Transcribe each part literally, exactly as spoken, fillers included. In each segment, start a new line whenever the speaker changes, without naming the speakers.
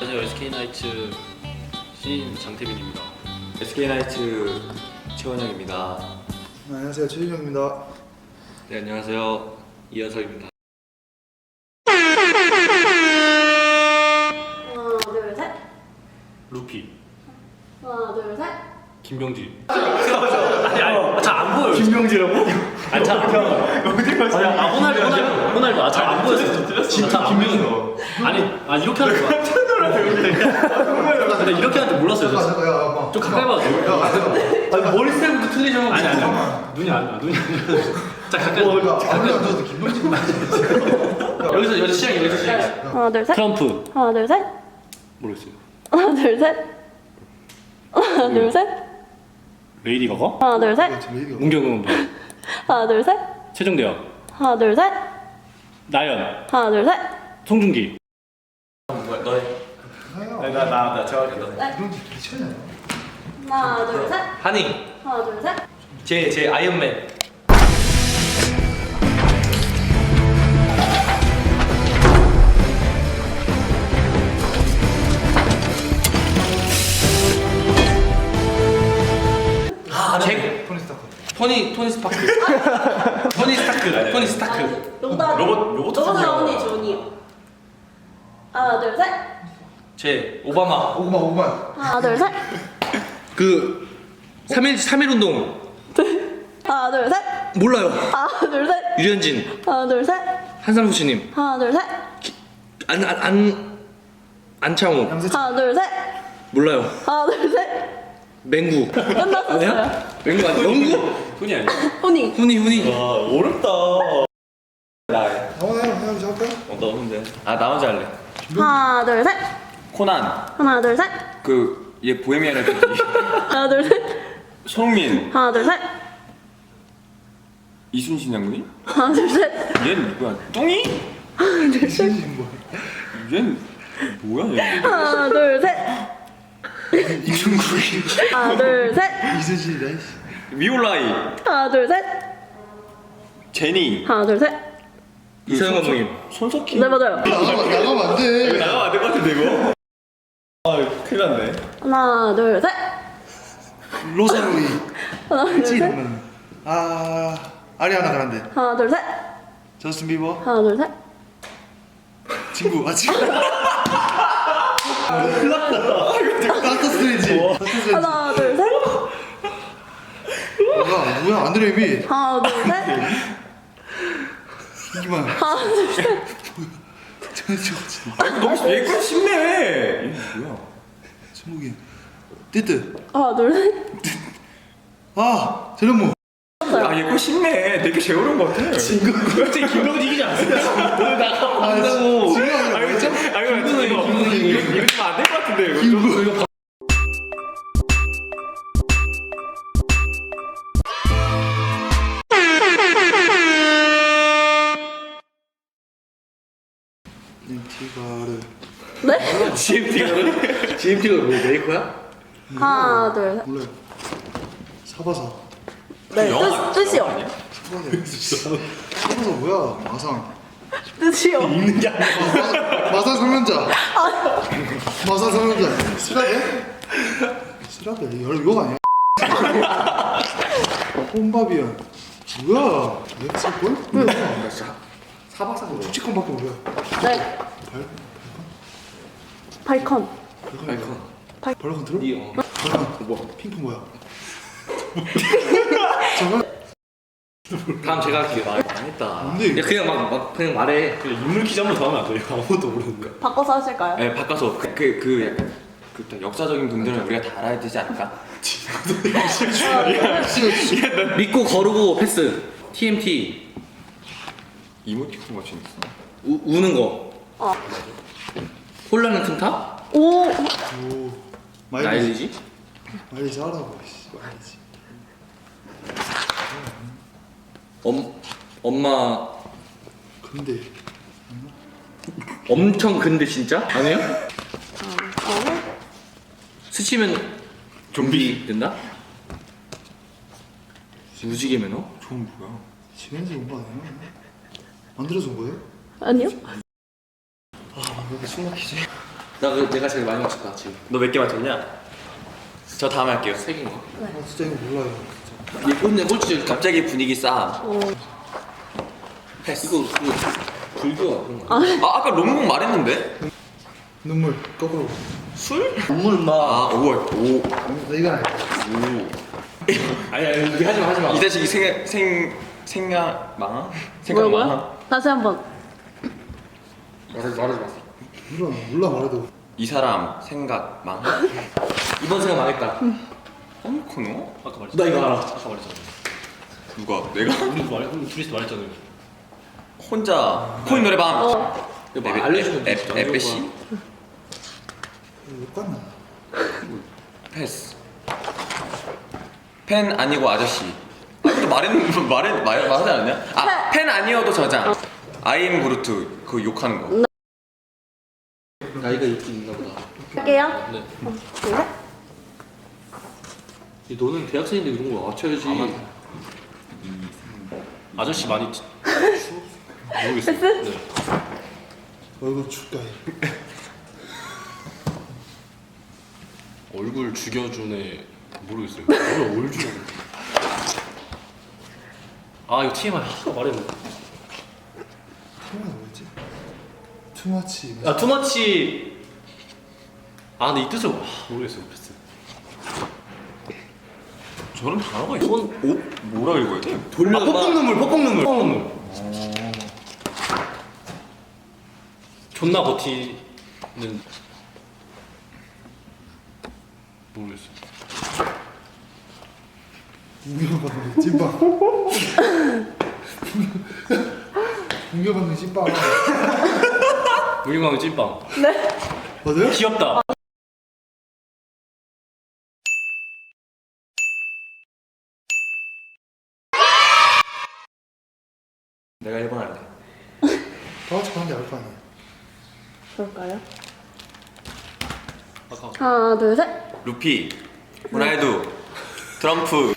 안녕하세요. 에스케이나이츠 신인 장태빈입니다.
에스케이나이츠 최원영입니다.
네, 안녕하세요. 최준영입니다.
네, 안녕하세요. 이현석입니다.
하나 둘 셋.
루피
하나 둘 셋.
김병지. 아니 아니 잘 안 보여요.
김병지라고?
아니 잘안 보여. 아니 아 호날두 호날두 호날두 아 잘 안 보였어. 진짜 안 보였어. 아니 아 이렇게 하는 거야. 근데 이렇게 하는 줄 몰랐어요. 저.
잠깐, 야, 야,
좀 가까이 봐도 돼요?
아니 머리 스타일부터 틀리죠.
아니 아니 아니. 눈이 안 눈이 안. 자 가까이.
아무리 안 줘도 김병지
여기서 여기서 시작이 여기서 시작.
하나 둘 셋.
트럼프
하나 둘 셋.
모르겠어요.
하나 둘 셋. 하나 둘 셋.
레이디 가가?
하나 둘 셋.
문경은
하나 둘 셋.
최정대요.
하나 둘 셋.
나연
하나 둘 셋.
송중기.
나나나 정확히 너.
김병지 미쳤냐?
하나 둘 셋.
하닝.
하나 둘 셋.
제 제 아이언맨. 아, 제
토니 스타크.
토니 토니 스파크. 토니 스타크. 토니 스타크.
로봇
로봇- 로봇
로봇
같은
나오니
거.
존이요. 하나 둘 셋.
제 오바마.
오구만 오구만.
하나 둘 셋.
그 삼일 삼일 운동
하나 둘 셋.
몰라요.
하나 둘 셋.
유현진.
하나 둘 셋.
한상수 씨님.
하나 둘 셋.
안 안 안 안창호.
하나 둘 셋.
몰라요.
하나 둘 셋.
맹구.
끝났었어요.
맹구 아니 영구?
훈이 아니야?
훈이.
훈이 훈이.
와 어렵다. 나.
나와 해요. 해야지 할까?
어, 나 혼자.
아 나 혼자 할래.
하나 둘 셋.
코난.
하나 둘 셋.
그 얘 보헤미안 랩소디.
하나 둘 셋.
손흥민.
하나 둘 셋.
이순신 장군이?
하나 둘 셋.
얘는 누구야? 뚱이?
이순신 뭐?
얘는 뭐야 얘?
하나 둘 셋.
이중국이.
하나 둘 셋.
이순신이다. 이씨.
위올라이.
하나 둘 셋.
제니.
하나 둘 셋.
이서영 감독님. 손석희.
네 맞아요.
나가면 나가면 안 돼.
나가면 안 될 것 같은데 이거? 아 큰일 났네.
하나 둘 셋.
로사로이.
하나 둘
알지
셋.
이러면. 아 아리아나 그란데.
하나 둘 셋.
저스틴 비버.
하나 둘 셋.
친구. 아 친구. 큰일 났다. 닥터 스트레인지. 닥터 스트레인지.
하나 둘 셋.
뭐야 뭐야 안드레미.
하나 둘 셋.
이기만.
하나 둘 셋.
저는 저거지.
아 이거 너무 얘가 쉽네. 이게 뭐야?
스무기. 띠뜨.
하나 둘 셋.
아 저런 뭐.
아 얘거 쉽네. 되게 제일 어려운 것 같아.
친구.
갑자기 김병지 이기지 않습니까? 오늘 나가면
아,
안 된다고.
친구 아니라
아 이거 좀, 아 이거
김근우,
이거
김근우.
이거 이거 좀 안 될 것 같은데 이거.
김구.
이거
인티가르.
네?
지엠티가 지엠티가 뭐 메이커야?
하나 둘 셋.
몰라요. 사바사.
네 뜻, 뜻이요.
사바사. 사바사 뭐야? 마상.
뜻이요.
있는 게 아니야. 마상 성년자. 마상 성년자. 쓰라베? 쓰라베 이거 이거 아니야? 홈바비언. 뭐야? 엑스볼? 뭐야?
사박사고.
축지con밖에 몰라.
네.
발
발컨.
아이콘.
발컨 들어?
니 어.
발컨
뭐?
핑크 뭐야? 저거
다음 제가 할게요. 아, 망했다.
뭔데 이거?
야, 그냥 막, 막 그냥 말해.
그냥 인물 퀴즈 한 번 더 하면 안 돼요? 아무것도 모르는데.
바꿔서 하실까요?
네, 바꿔서 그 그 그 약간 그 역사적인 분들은 우리가 다 알아야 되지 않을까? 믿고 거르고 패스. 티엠티. 이모티콘 같이 있어. 우 우는 거.
어.
홀라는 튼타?
오.
오 마일리지
나일리지?
마일리지 하라고. 씨. 마일리지.
엄 엄마
근데
엄청 근데 진짜? 아니에요?
어.
스치면 좀비 된다? 무지개 매너?
좋은 뭐야? 시간에서 온 거 아니야? 만들어서 온 거예요?
아니요.
아, 왜 이렇게 숨 막히지?
나 그- 내가 제일 많이 맞췄다 지금.
너 몇 개 맞췄냐? 저 다음 할게요.
세 개인가?
아 진짜 이거 몰라요. 진짜.
얘 꼴찌 꼴찌.
갑자기 분위기 싸움.
어.
이거 그 불교 그런 거.
아 아까 롱롱 말했는데?
눈물 거꾸로.
술?
눈물 마.
아 오월 오.
나 이건 알겠어.
아니 아니 이게 하지 마 하지 마.
이 자식이 생, 생, 생각 망아? 생각 망아?
뭐라고요? 다시 한번.
말하지 말하지 마.
몰라 몰라 말해도.
이 사람 생각 망아?
이번 생각 망했다.
홈코노?
아까 말했잖아.
나 이거 알아.
아까 말했잖아.
누가? 내가?
우리 말 우리 둘이서 말했잖아요.
혼자 코인 노래방
어.
이거 막 알려주면
에-
진짜
에- 에페시?
못 갔나?
패스 팬 아니고 아저씨 아 근데 말했, 말했, 말, 말하지 않았냐? 아 팬 아니어도 저장 아이엠 그루트 그거 욕하는 거
나이가 있긴 있나 보다.
할게요.
네.
그래?
이 너는 대학생인데 이런 거 맞춰야지.
아저씨 많이 치- 모르겠어요.
패스?
네.
얼굴 축가해.
얼굴 죽여주네 모르겠어요. 얼굴 올 죽여. 아 이거 티엠아이 아까 말했는데.
테마가 뭐였지? 투마치.
아 투머치. 아 근데 이 뜻을 아, 모르겠어요. 패스.
저런 단어가 있어?
손
오? 뭐라 읽어야 돼?
돌려. 아, 폭풍 눈물, 폭풍 눈물. 폭풍 눈물. 존나 버티는 모르겠어.
공격받는 찐빵. 공격받는 찐빵.
무궁화의 찐빵.
맞아요?
귀엽다.
내가 일 번 할래
다 같이 가는데 알 거 아니에요.
그럴까요?
아까
하나, 둘, 셋.
루피 호날두 트럼프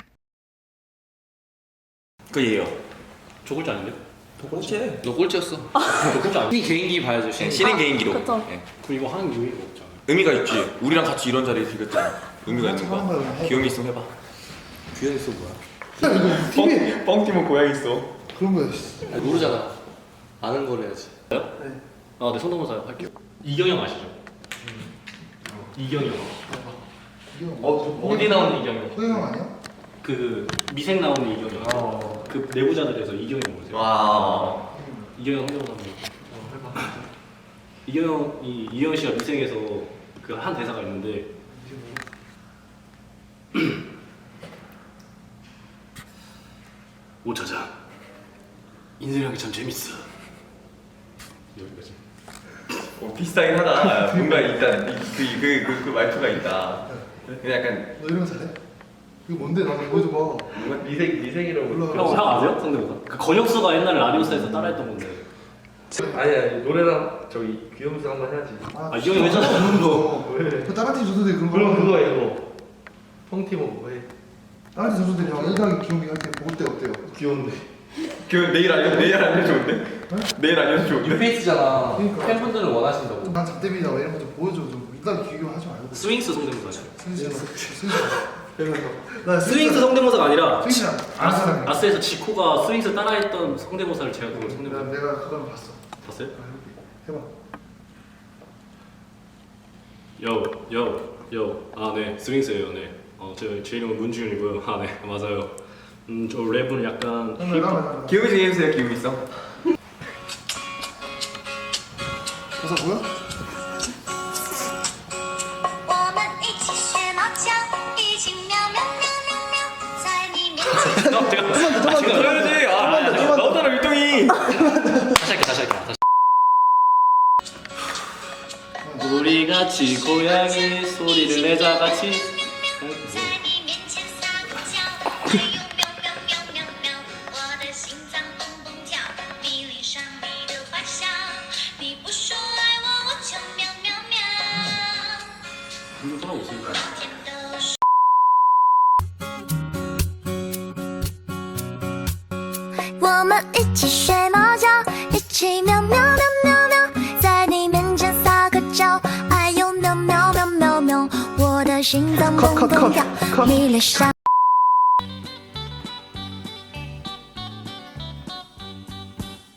그 얘요
저 글자 아닌데?
꼴찌
너 꼴찌였어.
저 글자 아닌데?
이 개인기 봐야죠. 신.
신인 개인 기록
그쵸.
예.
그럼 이거 하는 의미가 없잖아.
의미가 있지 우리랑 같이 이런 자리에 비겼잖아 의미가 있는
하는 거야,
거야
그냥 해.
귀요미 있으면 해봐
귀현이 써 뭐야?
야 이거 티비에
뻥튀면 고양이 있어
그런 거야. 씨.
아니, 모르잖아. 아는 걸 해야지.
네.
아, 네, 손동사 할게요. 이경영 아시죠? 이경영.
이거
어, 어디 나오는 이경영?
호영 아니야?
그 미생 나오는 이경영.
어.
그 내부자들에서 이경영 모르세요?
와
이경영 성대모사 한번. 이경영이 이경영 씨가 미생에서 그 한 대사가 있는데 오차장 인생이라는 게 참 재밌어. 여기까지.
어, 비슷하긴 하다 뭔가 있다 그, 그, 그, 그 말투가 있다 그냥 약간
너 이런 거 잘해? 이거 뭔데 나도 보여줘봐.
뭔가 미생, 미생이라고
몰라.
형, 형 아세요? 성대모사? 그 건혁수가 옛날에 라디오스타에서 따라했던 건데.
아니 아니 노래랑 저기 귀염수 한번 해야지.
아, 이 형이 왜 저러는
없는 거. 그 다른 팀 선수들이 그런 거.
그럼 그거 이거 펑티모 뭐 해?
다른 팀 선수들이 형 일 강이 기용이 할때 볼 때 어때요?
귀여운데.
그 내일 알려 내일 알려 좋은데? 내일 알려 좋은데?
뉴페이스잖아.
그러니까.
팬분들은 원하신다고.
난 잡대비다 뭐 이런 거 좀 보여줘 좀. 일단 기교하지 말고.
스윙스 성대모사죠.
스윙스. 스윙스. 나
스윙스 성대모사가 아니라
스윙스랑 아는 사람이야.
아스에서 지코가 스윙스 따라했던 성대모사를 제가 그걸
내가
성대모사
내가 그걸 봤어.
봤어요?
해봐.
요, 요, 요. 아, 네. 스윙스예요. 네. 어, 제, 제 이름은 문지윤이고요. 아, 네. 맞아요. 음, 저 랩은 약간
형 내가 말해.
기요미 좀 해주세요 기요미 있어
가사 뭐야?
我们一起学猫叫，一起喵喵喵喵喵，在你面前。
어, 제가 아, 제가
그래야지 아 나오잖아 율동이
다시 할게, 다시 할게. 다시. 우리 같이 고양이 소리를 내자 같이.
在你面前撒个娇，还有喵喵喵喵喵，我的心脏蹦蹦跳，你脸上你的坏笑，你不说爱我，我就喵喵喵。
이거 떠나고 있습니다.
天都说。我们一起睡猫觉，一起喵喵喵喵喵，在你面前撒个娇。 心脏
컷
蹦
컷
蹦跳
컷， 컷。
你脸上